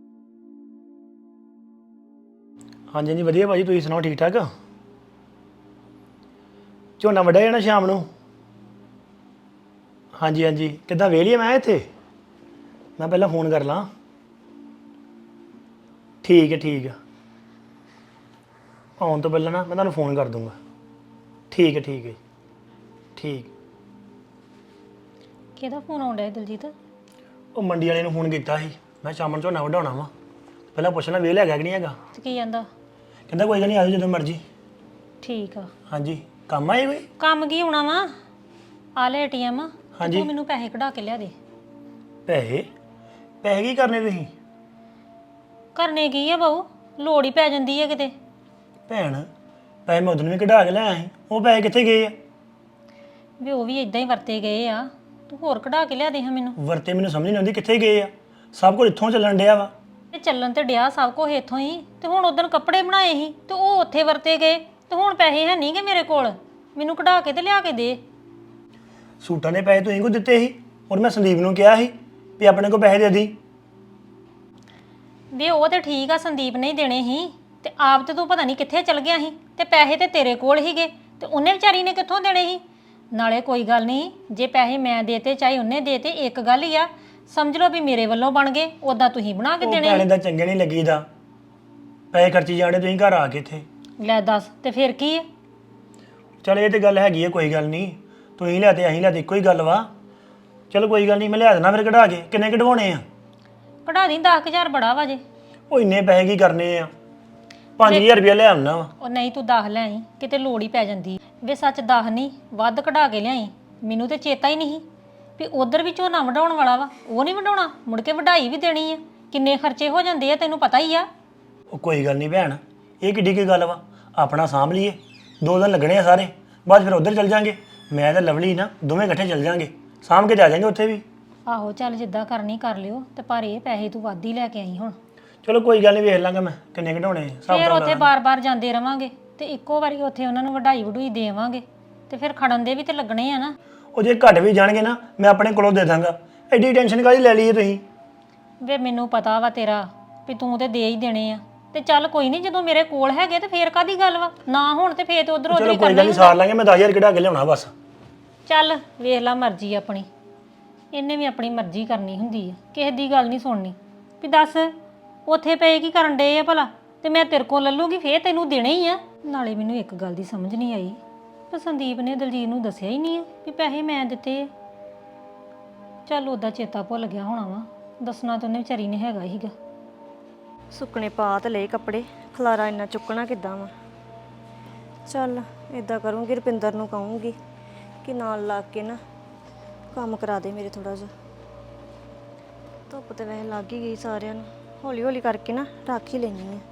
Speaker 3: ਹਾਂਜੀ ਹਾਂਜੀ ਵਧੀਆ ਭਾਜੀ, ਤੁਸੀਂ ਸੁਣਾਓ ਠੀਕ ਠਾਕ? ਝੋਨਾ ਵੱਢਿਆ ਜਾਣਾ ਸ਼ਾਮ ਨੂੰ? ਹਾਂਜੀ ਹਾਂਜੀ, ਕਿੱਦਾਂ ਵੇਲੀਏ ਮੈਂ ਇੱਥੇ? ਮੈਂ ਪਹਿਲਾਂ ਫੋਨ ਕਰ ਲਾਂ। ਠੀਕ ਹੈ ਠੀਕ ਹੈ, ਆਉਣ ਤੋਂ ਪਹਿਲਾਂ ਨਾ ਮੈਂ ਤੁਹਾਨੂੰ ਫੋਨ ਕਰ ਦੂੰਗਾ। ਠੀਕ ਹੈ ਠੀਕ ਹੈ ਠੀਕ।
Speaker 1: ਕਿਹਦਾ ਫੋਨ ਆਉਣ ਡਿਆ ਦਲਜੀਤ?
Speaker 3: ਉਹ ਮੰਡੀ ਵਾਲੇ ਨੂੰ ਫੋਨ ਕੀਤਾ ਸੀ, ਮੈਂ ਸ਼ਾਮ ਨੂੰ ਝੋਨਾ ਵਢਾਉਣਾ ਵਾ, ਪਹਿਲਾਂ ਪੁੱਛਣਾ ਵੇਲ ਹੈਗਾ ਕਿ ਨਹੀਂ ਹੈਗਾ।
Speaker 1: ਤੇ ਕੀ ਕਹਿੰਦਾ?
Speaker 3: ਕਹਿੰਦਾ ਕੋਈ ਗੱਲ ਨਹੀਂ, ਆ ਜਾਓ ਜਦੋਂ ਮਰਜ਼ੀ।
Speaker 1: ਠੀਕ ਆ।
Speaker 3: ਹਾਂਜੀ, ਕੰਮ ਆਏ ਕੋਈ?
Speaker 1: ਕੰਮ ਕੀ ਹੋਣਾ ਵਾ, ਆ ਲੈ ਏਟੀਐਮ।
Speaker 3: ਹਾਂਜੀ।
Speaker 1: ਤੂੰ ਮੈਨੂੰ ਪੈਸੇ ਕਢਾ ਕੇ ਲਿਆ ਦੇ।
Speaker 3: ਪੈਸੇ? ਪੈਸੇ ਕੀ ਕਰਨੇ ਤੁਸੀਂ?
Speaker 1: ਕਰਨੇ ਕੀ ਆ ਬਾਊ, ਲੋੜ ਹੀ ਪੈ ਜਾਂਦੀ ਹੈ ਕਿਤੇ।
Speaker 3: ਭੈਣ ਪੈਸੇ ਮੈਂ ਉਦੋਂ ਵੀ ਕਢਾ ਕੇ ਲਿਆਇਆ ਸੀ, ਉਹ ਪੈਸੇ ਕਿੱਥੇ ਗਏ ਆ?
Speaker 1: ਵੀ ਉਹ ਵੀ ਇਦਾਂ ਹੀ ਵਰਤੇ ਗਏ ਆ, ਤੂੰ ਹੋਰ ਕਢਾ ਕੇ ਲਿਆ ਦੇ ਹਾਂ ਮੈਨੂੰ।
Speaker 3: ਵਰਤੇ ਮੈਨੂੰ ਸਮਝ ਨਹੀਂ ਆਉਂਦੀ ਕਿੱਥੇ ਗਏ ਆ। ਸਭ ਕੁਝ ਇੱਥੋਂ ਚੱਲਣ ਡਿਆ ਵਾ।
Speaker 1: ਤੇ ਚੱਲਣ ਤੇ ਡਿਆ ਸਭ ਕੁਝ ਇੱਥੋਂ ਹੀ, ਤੇ ਹੁਣ ਉਦੋਂ ਕੱਪੜੇ ਬਣਾਏ ਸੀ ਤੇ ਉਹ ਉੱਥੇ ਵਰਤੇ ਗਏ, ਤੇ ਹੁਣ ਪੈਸੇ ਹੈ ਨਹੀਂ ਗੇ ਮੇਰੇ ਕੋਲ। ਮੈਨੂੰ ਕਢਾ ਕੇ ਤੇ ਲਿਆ ਕੇ ਦੇ।
Speaker 3: ਸੂਟਾਂ ਦੇ ਪੈਸੇ ਤੁਸੀਂ ਕੋ ਦਿੱਤੇ ਸੀ? ਔਰ ਮੈਂ ਸੰਦੀਪ ਨੂੰ ਕਿਹਾ ਸੀ ਵੀ ਆਪਣੇ ਕੋਲ ਪੈਸੇ ਦੇ ਦੀ।
Speaker 1: ਵੀ ਉਹ ਤੇ ਠੀਕ ਆ, ਸੰਦੀਪ ਨੇ ਹੀ ਦੇਣੇ ਸੀ, ਤੇ ਆਪ ਤੇ ਤੂੰ ਪਤਾ ਨਹੀਂ ਕਿੱਥੇ ਚਲ ਗਿਆ ਸੀ, ਤੇ ਪੈਸੇ ਤੇ ਤੇਰੇ ਕੋਲ ਹੀਗੇ ਤੇ ਉਹਨੇ ਵਿਚਾਰੀ ਨੇ ਕਿੱਥੋਂ ਦੇਣੇ ਸੀ। ਨਾਲੇ ਕੋਈ ਗੱਲ ਨਹੀਂ, ਜੇ ਪੈਸੇ ਮੈਂ ਦੇਤੇ ਚਾਹੇ ਉਹਨੇ ਦੇਤੇ, ਇੱਕ ਗੱਲ ਹੀ ਆ, ਸਮਝ ਲਓ ਵੀ ਮੇਰੇ ਵੱਲੋਂ ਬਣ ਗਏ, ਉਦਾਂ ਤੁਸੀਂ ਬਣਾ ਕੇ
Speaker 3: ਉਹ
Speaker 1: ਦੇਣੇ
Speaker 3: ਭੈਣੇ ਦਾ ਚੰਗੇ ਨਹੀਂ ਲੱਗੀਦਾ, ਪੈਸੇ ਖਰਚੀ ਜਾਣੇ ਤੁਸੀਂ ਘਰ ਆ ਕੇ ਇੱਥੇ।
Speaker 1: ਲੈ ਦੱਸ, ਤੇ ਫਿਰ ਕੀ ਹੈ?
Speaker 3: ਚਲ ਇਹ ਤੇ ਗੱਲ ਹੈਗੀ ਹੈ, ਕੋਈ ਗੱਲ ਨਹੀਂ, ਤੁਸੀਂ ਲਿਆ ਤੇ ਅਸੀਂ ਲਿਆ ਤੇ ਇੱਕੋ ਹੀ ਗੱਲ ਵਾ। ਚਲੋ ਕੋਈ ਗੱਲ ਨਹੀਂ, ਮੈਂ ਲਿਆ ਦੇਣਾ ਫਿਰ ਕਢਾ ਕੇ। ਕਿੰਨੇ ਕਢਵਾਉਣੇ ਆ?
Speaker 1: ਕਢਾ ਦੀ ਦਸ ਹਜ਼ਾਰ ਬੜਾ ਵਾ ਜੇ।
Speaker 3: ਉਹ ਇੰਨੇ ਪੈਸੇ ਕੀ ਕਰਨੇ ਆ? ਪੰਜ ਹਜ਼ਾਰ ਰੁਪਇਆ ਲੈ ਆਉਣਾ ਵਾ।
Speaker 1: ਉਹ ਨਹੀਂ, ਤੂੰ ਦਸ ਲੈ ਆਈ, ਕਿਤੇ ਲੋੜ ਹੀ ਪੈ ਜਾਂਦੀ। ਵੇ ਸੱਚ ਦਸ ਨਹੀਂ, ਵੱਧ ਕਢਾ ਕੇ ਲਿਆਈ। ਮੈਨੂੰ ਤੇ ਚੇਤਾ ਹੀ ਨਹੀਂ ਵੀ ਉਧਰ ਵੀ ਝੋਨਾ ਵਢਾਉਣ ਵਾਲਾ ਵਾ, ਉਹ ਨਹੀਂ ਵਢਾਉਣਾ, ਮੁੜ ਕੇ ਵਢਾਈ ਵੀ ਦੇਣੀ ਆ। ਕਿੰਨੇ ਖਰਚੇ ਹੋ ਜਾਂਦੇ ਆ, ਤੈਨੂੰ ਪਤਾ ਹੀ ਆ।
Speaker 3: ਉਹ ਕੋਈ ਗੱਲ ਨਹੀਂ ਭੈਣ, ਇਹ ਕਿੱਡੀ ਕੀ ਗੱਲ ਵਾ, ਆਪਣਾ ਸਾਂਭ ਲਈਏ। ਦੋ ਦਿਨ ਲੱਗਣੇ ਆ ਸਾਰੇ, ਬਾਅਦ ਫਿਰ ਉਧਰ ਚੱਲ ਜਾਾਂਗੇ। ਮੈਂ ਤੇ ਲਵਲੀ ਨਾ ਦੋਵੇਂ ਇਕੱਠੇ ਚੱਲ ਜਾਾਂਗੇ, ਸਾਂਭ ਕੇ ਜਾ ਜਾਾਂਗੇ ਉੱਥੇ ਵੀ।
Speaker 1: ਆਹੋ ਚੱਲ ਜਿੱਦਾਂ ਕਰਨੀ ਕਰ ਲਿਓ, ਤੇ ਪਰ ਇਹ ਪੈਸੇ ਤੂੰ ਵੱਧ ਹੀ ਲੈ ਕੇ ਆਈ ਹੁਣ।
Speaker 3: ਚਲੋ ਕੋਈ ਗੱਲ ਨਹੀਂ, ਵੇਖ ਲਾਂਗਾ ਮੈਂ ਕਿੰਨੇ ਕਢਾਉਣੇ ਆ।
Speaker 1: ਫਿਰ ਉੱਥੇ ਬਾਰ-ਬਾਰ ਜਾਂਦੇ ਰਵਾਂਗੇ ਤੇ ਇੱਕੋ ਵਾਰੀ ਉੱਥੇ ਉਹਨਾਂ ਨੂੰ ਵਢਾਈ ਵਢੂਈ ਦੇਵਾਂਗੇ, ਤੇ ਫਿਰ ਖੜਨ ਦੇ ਵੀ ਤੇ ਲੱਗਣੇ ਆ ਨਾ।
Speaker 3: ਉਹ ਜੇ ਘੱਟ ਵੀ ਜਾਣਗੇ ਨਾ, ਮੈਂ ਆਪਣੇ ਕੋਲੋਂ ਦੇ ਦਾਂਗਾ। ਐਡੀ ਟੈਨਸ਼ਨ ਕਾਹਦੀ ਲੈ ਲਈਏ ਤੁਸੀਂ?
Speaker 1: ਵੇ ਮੈਨੂੰ ਪਤਾ ਵਾ ਤੇਰਾ ਵੀ ਤੂੰ ਤੇ ਦੇ ਹੀ ਦੇਣੇ ਆ, ਤੇ ਚੱਲ ਕੋਈ ਨਹੀਂ, ਜਦੋਂ ਮੇਰੇ ਕੋਲ ਹੈਗੇ ਤੇ ਫੇਰ ਕਾਦੀ ਗੱਲ ਵਾ, ਨਾ ਹੁਣ ਤੇ ਫੇਰ ਤੇ ਉਧਰ ਉਧਰ
Speaker 3: ਚਲੋ
Speaker 1: ਹੀ
Speaker 3: ਕੋਈ ਗੱਲ
Speaker 1: ਕਰਨਾ
Speaker 3: ਨਹੀਂ, ਸਾਰ ਲਾਂਗੇ। ਮੈਂ ਦਸ ਹਜ਼ਾਰ ਕਢਾ ਕੇ ਲਿਆਉਣਾ ਬਸ।
Speaker 1: ਚੱਲ ਵੇਖ ਲਾ ਮਰਜ਼ੀ ਆਪਣੀ, ਇਹਨੇ ਵੀ ਆਪਣੀ ਮਰਜ਼ੀ ਕਰਨੀ ਹੁੰਦੀ ਆ, ਕਿਸੇ ਦੀ ਗੱਲ ਨਹੀਂ ਸੁਣਨੀ। ਵੀ ਦੱਸ ਉੱਥੇ ਪਏ ਕੀ ਕਰਨ ਡਏ ਆ ਭਲਾ, ਤੇ ਮੈਂ ਤੇਰੇ ਕੋਲ ਲੱਲੂਗੀ ਫੇਰ ਤੈਨੂੰ ਦੇਣੇ ਹੀ ਆ। ਨਾਲੇ ਮੈਨੂੰ ਇੱਕ ਗੱਲ ਦੀ ਸਮਝ ਨਹੀਂ ਆਈ, ਪਰ ਸੰਦੀਪ ਨੇ ਦਲਜੀਤ ਨੂੰ ਦੱਸਿਆ ਹੀ ਨਹੀਂ ਵੀ ਪੈਸੇ ਮੈਂ ਦਿੱਤੇ ਆ। ਚੱਲ ਉਹਦਾ ਚੇਤਾ ਭੁੱਲ ਗਿਆ ਹੋਣਾ ਵਾ, ਦੱਸਣਾ ਤਾਂ ਉਹਨੇ ਵਿਚਾਰੀ ਨੇ ਹੈਗਾ ਹੀਗਾ।
Speaker 4: ਸੁੱਕਣੇ ਪਾ ਤੇ ਲਏ ਕੱਪੜੇ, ਖਲਾਰਾ ਇੰਨਾ ਚੁੱਕਣਾ ਕਿੱਦਾਂ ਵਾ। ਚੱਲ ਇਦਾਂ ਕਰੂੰਗੀ, ਰੁਪਿੰਦਰ ਨੂੰ ਕਹੂੰਗੀ ਕਿ ਨਾਲ ਲੱਗ ਕੇ ਨਾ ਕੰਮ ਕਰਾ ਦੇ ਮੇਰੇ ਥੋੜਾ ਜਿਹਾ। ਧੁੱਪ ਤੇ ਵੈਸੇ ਲੱਗ ਹੀ ਗਈ ਸਾਰਿਆਂ ਨੂੰ, ਹੌਲੀ ਹੌਲੀ ਕਰਕੇ ਨਾ ਰੱਖ ਹੀ ਲੈਣੀ ਆ।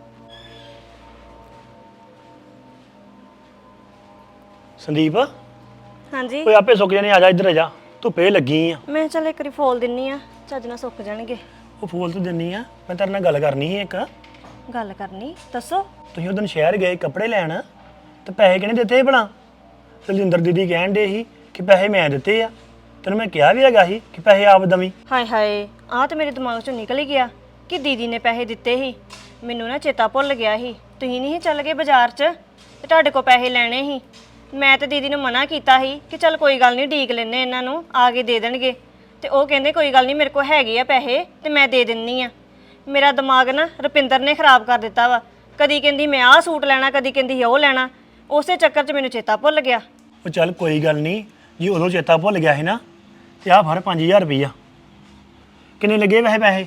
Speaker 3: ਸੰਦੀਪ
Speaker 4: ਹਾਂਜੀ,
Speaker 3: ਓਏ ਆਪੇ ਸੁੱਕ ਜਾਣੇ, ਆ ਜਾ ਇੱਧਰ ਆ ਜਾ, ਧੁੱਪੇ ਲੱਗੀ ਆ।
Speaker 4: ਮੈਂ ਚੱਲ ਇੱਕ ਵਾਰੀ ਫੋਲ ਦਿੰਨੀ ਆ, ਚੱਜ ਨਾਲ ਸੁੱਕ ਜਾਣਗੇ।
Speaker 3: ਉਹ ਫੂਲ ਤੇ ਦਿੰਨੀ ਆ, ਮੈਂ ਤੇਰੇ ਨਾਲ ਗੱਲ ਕਰਨੀ ਸੀ ਇੱਕ।
Speaker 4: ਗੱਲ ਕਰਨੀ, ਦੱਸੋ।
Speaker 3: ਤੁਸੀਂ ਉਦੋਂ ਸ਼ਹਿਰ ਗਏ ਕੱਪੜੇ ਲੈਣ, ਤੇ ਪੈਸੇ ਕਿਹਨੇ ਦਿੱਤੇ ਭਲਾ? ਦਲਜਿੰਦਰ ਦੀਦੀ ਕਹਿਣ ਦੇ ਸੀ ਕਿ ਪੈਸੇ ਮੈਂ ਦਿੱਤੇ ਆ। ਤੈਨੂੰ ਮੈਂ ਕਿਹਾ ਵੀ ਹੈਗਾ ਸੀ ਕਿ ਪੈਸੇ ਆਪ ਦਵੀਂ।
Speaker 4: ਹਾਏ ਹਾਏ, ਆਹ ਤੇ ਮੇਰੇ ਦਿਮਾਗ ਚੋਂ ਨਿਕਲ ਹੀ ਗਿਆ ਕਿ ਦੀਦੀ ਨੇ ਪੈਸੇ ਦਿੱਤੇ ਸੀ। ਮੈਨੂੰ ਨਾ ਚੇਤਾ ਭੁੱਲ ਗਿਆ ਸੀ, ਤੁਸੀਂ ਨਹੀਂ ਚੱਲ ਗਏ ਬਾਜ਼ਾਰ 'ਚ ਤੇ ਤੁਹਾਡੇ ਕੋਲ ਪੈਸੇ ਲੈਣੇ ਸੀ। ਮੈਂ ਤੇ ਦੀਦੀ ਨੂੰ ਮਨਾ ਕੀਤਾ ਸੀ ਕਿ ਚੱਲ ਕੋਈ ਗੱਲ ਨਹੀਂ, ਢੀਕ ਲੈਨੇ ਇਹਨਾਂ ਨੂੰ, ਆ ਕੇ ਦੇ ਦੇਣਗੇ। ਤੇ ਉਹ ਕਹਿੰਦੇ ਕੋਈ ਗੱਲ ਨਹੀਂ, ਮੇਰੇ ਕੋਲ ਹੈਗੇ ਆ ਪੈਸੇ ਤੇ ਮੈਂ ਦੇ ਦਿੰਨੀ ਆ। ਮੇਰਾ ਦਿਮਾਗ ਨਾ ਰੁਪਿੰਦਰ ਨੇ ਖਰਾਬ ਕਰ ਦਿੱਤਾ ਵਾ। ਕਦੀ ਕਹਿੰਦੀ ਮੈਂ ਆਹ ਸੂਟ ਲੈਣਾ, ਕਦੀ ਕਹਿੰਦੀ ਉਹ ਲੈਣਾ। ਉਸੇ ਚੱਕਰ 'ਚ ਮੈਨੂੰ ਚੇਤਾ ਭੁੱਲ ਗਿਆ।
Speaker 3: ਉਹ ਚੱਲ ਕੋਈ ਗੱਲ ਨਹੀਂ, ਜੀ ਉਦੋਂ ਚੇਤਾ ਭੁੱਲ ਗਿਆ ਸੀ ਨਾ, ਤੇ ਆਹ ਫੜ ਪੰਜ ਹਜ਼ਾਰ ਰੁਪਈਆ। ਕਿੰਨੇ ਲੱਗੇ ਵੈਸੇ ਪੈਸੇ?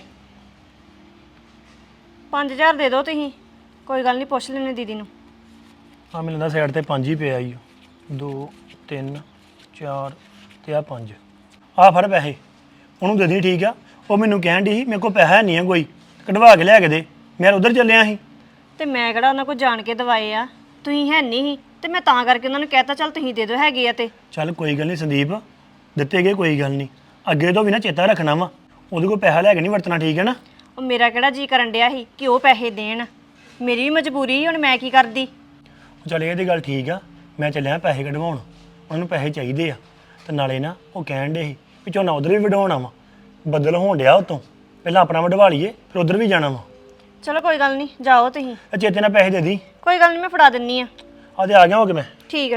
Speaker 4: ਪੰਜ ਹਜ਼ਾਰ ਦੇ ਦਿਓ ਤੁਸੀਂ, ਕੋਈ ਗੱਲ ਨਹੀਂ, ਪੁੱਛ ਲੈਣੇ ਦੀਦੀ ਨੂੰ।
Speaker 3: ਆ ਮੈਨੂੰ ਲੱਗਦਾ ਸਾਈਡ ਤੇ ਪੰਜ ਹੀ ਪਿਆ ਈ। ਦੋ ਤਿੰਨ ਚਾਰ ਤੇ ਆ ਪੰਜ। ਆ ਫੜ ਪੈਸੇ, ਉਹਨੂੰ ਦੇ ਦੇ, ਠੀਕ ਆ। ਉਹ ਮੈਨੂੰ ਕਹਿਣ ਦੀ ਸੀ ਮੇਰੇ ਕੋਲ ਪੈਸਾ ਨਹੀਂ ਆ ਕੋਈ, ਕਢਵਾ ਕੇ ਲਿਆ ਕੇ ਦੇ। ਮੈਂ ਉਧਰ ਚੱਲਿਆ ਸੀ
Speaker 4: ਤੇ ਮੈਂ ਕਿਹੜਾ ਉਹਨਾਂ ਕੋਲ ਜਾਣ ਕੇ ਦਵਾਏ ਆ, ਤੁਸੀਂ ਹੈ ਨਹੀਂ ਸੀ ਤੇ ਮੈਂ ਤਾਂ ਕਰਕੇ ਉਹਨਾਂ ਨੂੰ ਕਹਿਤਾ ਚੱਲ ਤੁਸੀਂ ਦੇ ਦਿਓ ਹੈਗੇ ਆ। ਤੇ
Speaker 3: ਚੱਲ ਕੋਈ ਗੱਲ ਨਹੀਂ ਸੰਦੀਪ, ਦਿੱਤੇ ਗਏ ਕੋਈ ਗੱਲ ਨਹੀਂ, ਅੱਗੇ ਤੋਂ ਵੀ ਨਾ ਚੇਤਾ ਰੱਖਣਾ ਵਾ, ਉਹਦੇ ਕੋਲ ਪੈਸਾ ਲੈ ਕੇ ਨਹੀਂ ਵਰਤਣਾ, ਠੀਕ ਹੈ ਨਾ?
Speaker 4: ਉਹ ਮੇਰਾ ਕਿਹੜਾ ਜੀ ਕਰਨ ਡਿਆ ਸੀ ਕਿ ਉਹ ਪੈਸੇ ਦੇਣ, ਮੇਰੀ ਵੀ ਮਜਬੂਰੀ ਸੀ, ਹੁਣ ਮੈਂ ਕੀ ਕਰਦੀ।
Speaker 3: ਚੱਲ ਇਹ ਤੇ ਗੱਲ ਠੀਕ ਆ, ਮੈਂ ਚੱਲਿਆ ਪੈਸੇ ਕਢਵਾਉਣ, ਉਹਨਾਂ ਨੂੰ ਪੈਸੇ ਚਾਹੀਦੇ ਆ। ਤੇ ਨਾਲੇ ਨਾ ਉਹ ਕਹਿਣ ਦੇ ਸੀ ਵੀ ਝੋਨਾ ਉਧਰ ਵੀ ਵਢਾਉਣਾ ਵਾ, ਬੱਦਲ ਹੋਣ ਡਿਆ ਉਤੋਂ, ਪਹਿਲਾਂ ਆਪਣਾ ਵਢਵਾ ਲਈਏ ਫਿਰ ਉਧਰ ਵੀ ਜਾਣਾ ਵਾ।
Speaker 4: ਚਲੋ ਕੋਈ ਗੱਲ ਨਹੀਂ, ਜਾਓ ਤੁਸੀਂ।
Speaker 3: ਇਹ ਚੇਤੇ ਨਾਲ ਪੈਸੇ ਦੇ ਦੀ।
Speaker 4: ਕੋਈ ਗੱਲ ਨਹੀਂ, ਮੈਂ ਫੜਾ ਦਿੰਨੀ ਆ।
Speaker 3: ਆ ਤੇ ਆ ਗਿਆ ਹੋ ਕੇ ਮੈਂ।
Speaker 4: ਠੀਕ ਆ।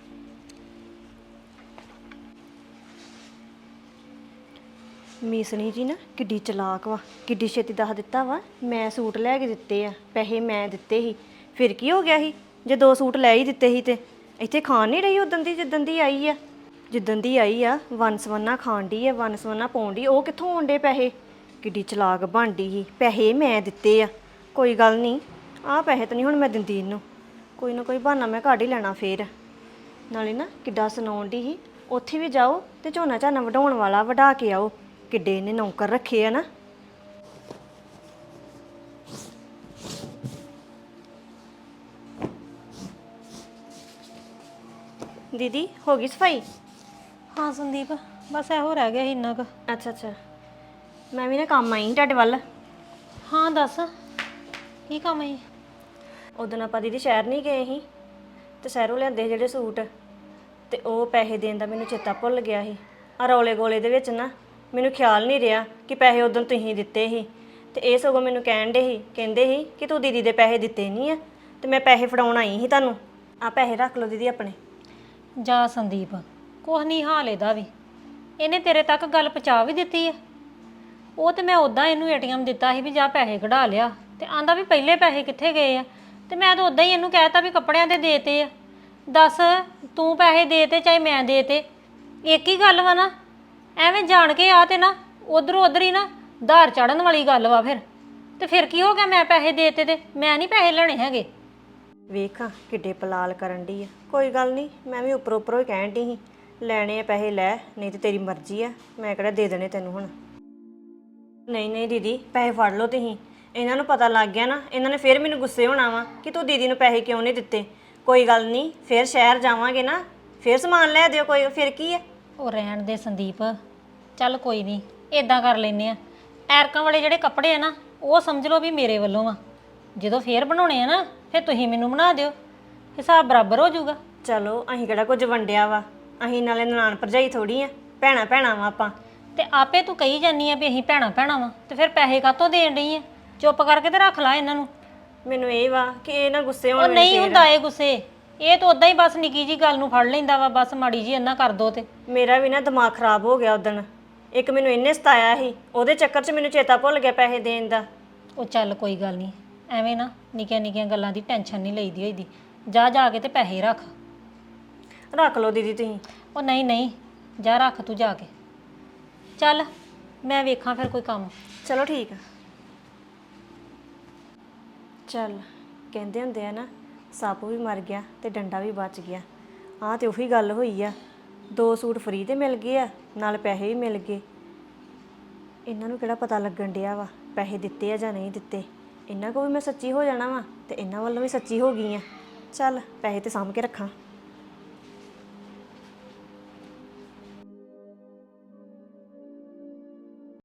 Speaker 4: ਮੀਸਣੀ ਜੀ ਨਾ ਕਿੱਡੀ ਚਲਾਕ ਵਾ, ਕਿੱਡੀ ਛੇਤੀ ਦੱਸ ਦਿੱਤਾ ਵਾ ਮੈਂ ਸੂਟ ਲੈ ਕੇ ਦਿੱਤੇ ਆ, ਪੈਸੇ ਮੈਂ ਦਿੱਤੇ ਸੀ। ਫਿਰ ਕੀ ਹੋ ਗਿਆ ਸੀ ਜੇ ਦੋ ਸੂਟ ਲੈ ਹੀ ਦਿੱਤੇ ਸੀ? ਤੇ ਇੱਥੇ ਖਾਣ ਨਹੀਂ ਰਹੀ ਉਦੋਂ ਦੀ, ਜਿੱਦਣ ਦੀ ਆਈ ਆ। ਜਿੱਦਣ ਦੀ ਆਈ ਆ ਵਨਸਵੰਨਾ ਖਾਣ ਡਈ ਆ, ਵਨਸਵੰਨਾ ਪਾਉਣ ਡਈ। ਉਹ ਕਿੱਥੋਂ ਆਉਂਦੇ ਪੈਸੇ? ਕਿੱਡੀ ਚਲਾਕ ਬਣਦੀ ਸੀ, ਪੈਸੇ ਮੈਂ ਦਿੱਤੇ ਆ। ਕੋਈ ਗੱਲ ਨਹੀਂ, ਆਹ ਪੈਸੇ ਤਾਂ ਨਹੀਂ ਹੁਣ ਮੈਂ ਦਿੰਦੀ ਇਹਨੂੰ, ਕੋਈ ਨਾ ਕੋਈ ਬਹਾਨਾ ਮੈਂ ਕੱਢ ਹੀ ਲੈਣਾ ਫੇਰ। ਨਾਲੇ ਨਾ ਕਿੱਡਾ ਸੁਣਾਉਣ ਡਈ ਸੀ, ਉੱਥੇ ਵੀ ਜਾਓ ਤੇ ਝੋਨਾ ਝਾਨਾ ਵਢਾਉਣ ਵਾਲਾ ਵਢਾ ਕੇ ਆਓ। ਕਿੱਡੇ ਇਹਨੇ ਨੌਕਰ ਰੱਖੇ ਆ ਨਾ। ਦੀਦੀ ਹੋ ਗਈ ਸਫਾਈ?
Speaker 1: ਹਾਂ ਸੰਦੀਪ, ਬਸ ਇਹੋ ਰਹਿ ਗਿਆ ਸੀ ਇੰਨਾ ਕੁ।
Speaker 4: ਅੱਛਾ ਅੱਛਾ, ਮੈਂ ਵੀ ਨਾ ਕੰਮ ਆਈ ਸੀ ਤੁਹਾਡੇ ਵੱਲ।
Speaker 1: ਹਾਂ ਦੱਸ, ਕੀ ਕੰਮ ਹੈ?
Speaker 4: ਉਦੋਂ ਆਪਾਂ ਦੀਦੀ ਸ਼ਹਿਰ ਨਹੀਂ ਗਏ ਸੀ ਤੇ ਸ਼ਹਿਰੋਂ ਲਿਆਂਦੇ ਜਿਹੜੇ ਸੂਟ, ਤੇ ਉਹ ਪੈਸੇ ਦੇਣ ਦਾ ਮੈਨੂੰ ਚੇਤਾ ਭੁੱਲ ਗਿਆ ਸੀ। ਆ ਰੌਲੇ ਗੋਲੇ ਦੇ ਵਿੱਚ ਨਾ ਮੈਨੂੰ ਖਿਆਲ ਨਹੀਂ ਰਿਹਾ ਕਿ ਪੈਸੇ ਉਦੋਂ ਤੁਸੀਂ ਦਿੱਤੇ ਸੀ। ਤੇ ਇਹ ਸਗੋਂ ਮੈਨੂੰ ਕਹਿਣ ਦੇ ਸੀ, ਕਹਿੰਦੇ ਸੀ ਕਿ ਤੂੰ ਦੀਦੀ ਦੇ ਪੈਸੇ ਦਿੱਤੇ ਨਹੀਂ ਆ, ਤੇ ਮੈਂ ਪੈਸੇ ਫੜਾਉਣ ਆਈ ਸੀ ਤੁਹਾਨੂੰ। ਆ ਪੈਸੇ ਰੱਖ ਲਓ ਦੀਦੀ ਆਪਣੇ।
Speaker 1: ਜਾ ਸੰਦੀਪ, ਕੁਛ ਨਹੀਂ ਹਾਲ ਇਹਦਾ ਵੀ। ਇਹਨੇ ਤੇਰੇ ਤੱਕ ਗੱਲ ਪਹੁੰਚਾ ਵੀ ਦਿੱਤੀ ਆ। ਉਹ ਤੇ ਮੈਂ ਉਦਾਂ ਇਹਨੂੰ ਏਟੀਐਮ ਦਿੱਤਾ ਸੀ ਵੀ ਜਾ ਪੈਸੇ ਕਢਾ ਲਿਆ, ਤੇ ਆਂਦਾ ਵੀ ਪਹਿਲੇ ਪੈਸੇ ਕਿੱਥੇ ਗਏ ਆ। ਤੇ ਮੈਂ ਤਾਂ ਉਦਾਂ ਹੀ ਇਹਨੂੰ ਕਹਿਤਾ ਵੀ ਕੱਪੜਿਆਂ ਦੇ ਦੇਤੇ ਆ। ਦੱਸ, ਤੂੰ ਪੈਸੇ ਦੇਤੇ ਚਾਹੇ ਮੈਂ ਦੇਤੇ, ਇੱਕ ਹੀ ਗੱਲ ਵਾ ਨਾ। ਐਵੇਂ ਜਾਣ ਕੇ ਆ ਤੇ ਨਾ ਉਧਰੋਂ ਉਧਰ ਹੀ ਨਾ ਧਾਰ ਚੜਨ ਵਾਲੀ ਗੱਲ ਵਾ। ਫਿਰ ਤੇ ਫਿਰ ਕੀ ਹੋ ਗਿਆ, ਮੈਂ ਪੈਸੇ ਦੇਤੇ ਤੇ ਮੈਂ ਨਹੀਂ ਪੈਸੇ ਲੈਣੇ ਹੈਗੇ।
Speaker 4: ਵੇਖਾਂ ਕਿੱਡੇ ਪਲਾਲ ਕਰਨ ਡਈ ਆ। ਕੋਈ ਗੱਲ ਨਹੀਂ, ਮੈਂ ਵੀ ਉੱਪਰੋਂ ਉੱਪਰੋਂ ਹੀ ਕਹਿਣ ਡਈ ਸੀ ਲੈਣੇ ਆ ਪੈਸੇ ਲੈ, ਨਹੀਂ ਤੇ ਤੇਰੀ ਮਰਜ਼ੀ ਆ, ਮੈਂ ਕਿਹੜਾ ਦੇ ਦੇਣੇ ਤੈਨੂੰ ਹੁਣ। ਨਹੀਂ ਨਹੀਂ ਦੀਦੀ, ਪੈਸੇ ਫੜ ਲਓ ਤੁਸੀਂ। ਇਹਨਾਂ ਨੂੰ ਪਤਾ ਲੱਗ ਗਿਆ ਨਾ, ਇਹਨਾਂ ਨੇ ਫਿਰ ਮੈਨੂੰ ਗੁੱਸੇ ਹੋਣਾ ਵਾ ਕਿ ਤੂੰ ਦੀਦੀ ਨੂੰ ਪੈਸੇ ਕਿਉਂ ਨਹੀਂ ਦਿੱਤੇ। ਕੋਈ ਗੱਲ ਨਹੀਂ, ਫਿਰ ਸ਼ਹਿਰ ਜਾਵਾਂਗੇ ਨਾ, ਫਿਰ ਸਮਾਨ ਲੈ ਦਿਓ, ਕੋਈ ਫਿਰ ਕੀ ਆ।
Speaker 1: ਉਹ ਰਹਿਣ ਦੇ ਸੰਦੀਪ, ਚੱਲ ਕੋਈ ਨਹੀਂ, ਇਦਾਂ ਕਰ ਲੈਨੇ ਆ। ਐਰਕਾਂ ਵਾਲੇ ਜਿਹੜੇ ਕੱਪੜੇ ਆ ਨਾ, ਉਹ ਸਮਝ ਲਓ ਵੀ ਮੇਰੇ ਵੱਲੋਂ ਆ। ਜਦੋਂ ਫੇਰ ਬਣਾਉਣੇ ਆ ਨਾ, ਫਿਰ ਤੁਸੀਂ ਮੈਨੂੰ ਬਣਾ ਦਿਓ, ਹਿਸਾਬ ਬਰਾਬਰ ਹੋ ਜਾਊਗਾ।
Speaker 4: ਚਲੋ ਅਸੀਂ ਕਿਹੜਾ ਕੁਝ ਵੰਡਿਆ ਵਾ, ਅਸੀਂ ਨਾਲੇ ਨਨਾਣ ਭਰਜਾਈ ਥੋੜੀ ਆ, ਭੈਣਾ ਭੈਣਾ ਵਾ ਆਪਾਂ।
Speaker 1: ਤੇ ਆਪੇ ਤੂੰ ਕਹੀ ਜਾਨੀ ਆ ਵੀ ਅਸੀਂ ਭੈਣਾ ਭੈਣਾ ਵਾ, ਤੇ ਫਿਰ ਪੈਸੇ ਕਾਹਤੋਂ ਦੇਣ ਡਈ ਆ? ਚੁੱਪ ਕਰਕੇ ਤੇ ਰੱਖ ਲੈ ਇਹਨਾਂ ਨੂੰ।
Speaker 4: ਮੈਨੂੰ ਇਹ ਵਾ ਕਿ ਇਹ ਨਾ ਗੁੱਸੇ
Speaker 1: ਉਹ
Speaker 4: ਹੋਣ
Speaker 1: ਨਹੀਂ ਹੁੰਦਾ ਇਹ ਗੁੱਸੇ, ਇਹ ਤਾਂ ਉਦਾਂ ਹੀ ਬਸ ਨਿੱਕੀ ਜੀ ਗੱਲ ਨੂੰ ਫੜ ਲੈਂਦਾ ਵਾ, ਬਸ ਮਾੜੀ ਜੀ ਇੰਨਾ ਕਰ ਦੋ ਤੇ।
Speaker 4: ਮੇਰਾ ਵੀ ਨਾ ਦਿਮਾਗ ਖਰਾਬ ਹੋ ਗਿਆ ਉਦਣ। ਇੱਕ ਮੈਨੂੰ ਇੰਨੇ ਸਤਾਇਆ ਸੀ, ਉਹਦੇ ਚੱਕਰ 'ਚ ਮੈਨੂੰ ਚੇਤਾ ਭੁੱਲ ਗਿਆ ਪੈਸੇ ਦੇਣ ਦਾ।
Speaker 1: ਉਹ ਚੱਲ ਕੋਈ ਗੱਲ ਨਹੀਂ, ਐਵੇਂ ਨਾ ਨਿੱਕੀਆਂ ਨਿੱਕੀਆਂ ਗੱਲਾਂ ਦੀ ਟੈਨਸ਼ਨ ਨਹੀਂ ਲਈਦੀ ਹੋਈਦੀ। ਜਾ ਜਾ ਕੇ ਤੇ ਪੈਸੇ ਰੱਖ।
Speaker 4: ਰੱਖ ਲਓ ਦੀਦੀ ਤੁਸੀਂ।
Speaker 1: ਉਹ ਨਹੀਂ ਨਹੀਂ, ਜਾ ਰੱਖ ਤੂੰ ਜਾ ਕੇ। ਚੱਲ ਮੈਂ ਵੇਖਾਂ ਫਿਰ ਕੋਈ ਕੰਮ।
Speaker 4: ਚਲੋ ਠੀਕ ਆ। ਚੱਲ ਕਹਿੰਦੇ ਹੁੰਦੇ ਆ ਨਾ, ਸੱਪ ਵੀ ਮਰ ਗਿਆ ਤੇ ਡੰਡਾ ਵੀ ਬਚ ਗਿਆ। ਆਹ ਤੇ ਉਹੀ ਗੱਲ ਹੋਈ ਆ, ਦੋ ਸੂਟ ਫਰੀ ਤੇ ਮਿਲ ਗਏ ਆ, ਨਾਲ ਪੈਸੇ ਵੀ ਮਿਲ ਗਏ। ਇਹਨਾਂ ਨੂੰ ਕਿਹੜਾ ਪਤਾ ਲੱਗਣ ਡਿਆ ਵਾ ਪੈਸੇ ਦਿੱਤੇ ਆ ਜਾਂ ਨਹੀਂ ਦਿੱਤੇ। ਇਹਨਾਂ ਕੋਲ ਵੀ ਮੈਂ ਸੱਚੀ ਹੋ ਜਾਣਾ ਵਾ ਤੇ ਇਹਨਾਂ ਵੱਲੋਂ ਵੀ ਸੱਚੀ ਹੋ ਗਈ ਆ। ਚੱਲ ਪੈਸੇ ਤੇ ਸਾਂਭ ਕੇ ਰੱਖਾਂ।